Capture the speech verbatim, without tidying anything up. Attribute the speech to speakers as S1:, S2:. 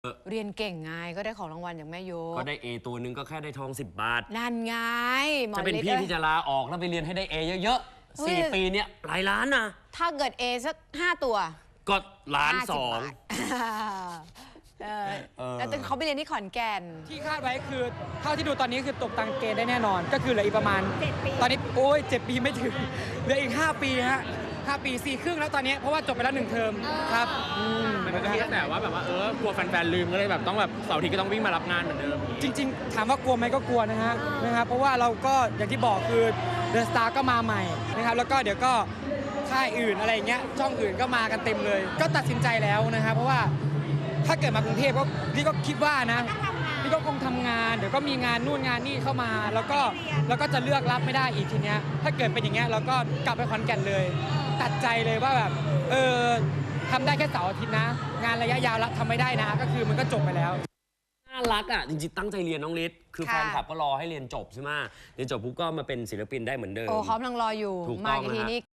S1: เรียนเก่งไงก็ได้ของรางวัลอย่างแม่ยก
S2: ก็ได้ A ตัวนึงก็แค่ได้ทองสิบบาท
S1: นั่นไง
S2: จะเป็นพี่ที่จะลาออกแล้วไปเรียนให้ได้ A เยอะๆสี่ปีเนี่ยหลายล้านนะ
S1: ถ้าเกิด A สักห้าตัว
S2: ก็ล้านสอง
S1: แล้วเขาไปเรียนที่ขอนแก่น
S3: ที่คาดไว้คือเท่าที่ดูตอนนี้คือตกตังเกณฑ์ได้แน่นอนก็คือเหลืออีกประมาณตอนนี้โอ้ยเจ็ดปีไม่ถึงเหลืออีกห้าปีฮะห้าปีสี่ครึ่งแล้วตอนนี้เพราะว่าจบไปแล้วหนึ่งเทอมครับ
S4: มันก็คิดแต่ว่าแบบว่าเออกลัวแฟนๆลืมก็เลยแบบต้องแบบเสาร์อาทิตย์ก็ต้องวิ่งมารับงานเหมือนเดิม
S3: จริงๆถามว่ากลัวไหมก็กลัวนะฮะนะครับเพราะว่าเราก็อย่างที่บอกคือเดอะสตาร์ก็มาใหม่นะครับแล้วก็เดี๋ยวก็ค่ายอื่นอะไรเงี้ยช่องอื่นก็มากันเต็มเลยก็ตัดสินใจแล้วนะครับเพราะว่าถ้าเกิดมากรุงเทพก็พี่ก็คิดว่านะพี่ก็คงทำงานเดี๋ยวก็มีงานนู่นงานนี่เข้ามาแล้วก็แล้วก็จะเลือกรับไม่ได้อีกทีเนี้ยถ้าเกิดเป็นอย่างเงี้ยเราก็กลับไปขอนแก่นเลยตัดใจเลยว่าแบบเออทำได้แค่เสาร์อาทิตย์นะงานระยะยาวทำไม่ได้นะก็คือมันก็จบไปแล้ว
S2: น่ารักอ่ะจริงๆตั้งใจเรียนน้องฤทธิ์คือแฟนคลับก็รอให้เรียนจบใช่ไหมเรียนจบปุ๊บก็มาเป็นศิลปินได้เหมือนเดิม
S1: โอ้เขากำลังรออยู่มาทีนี้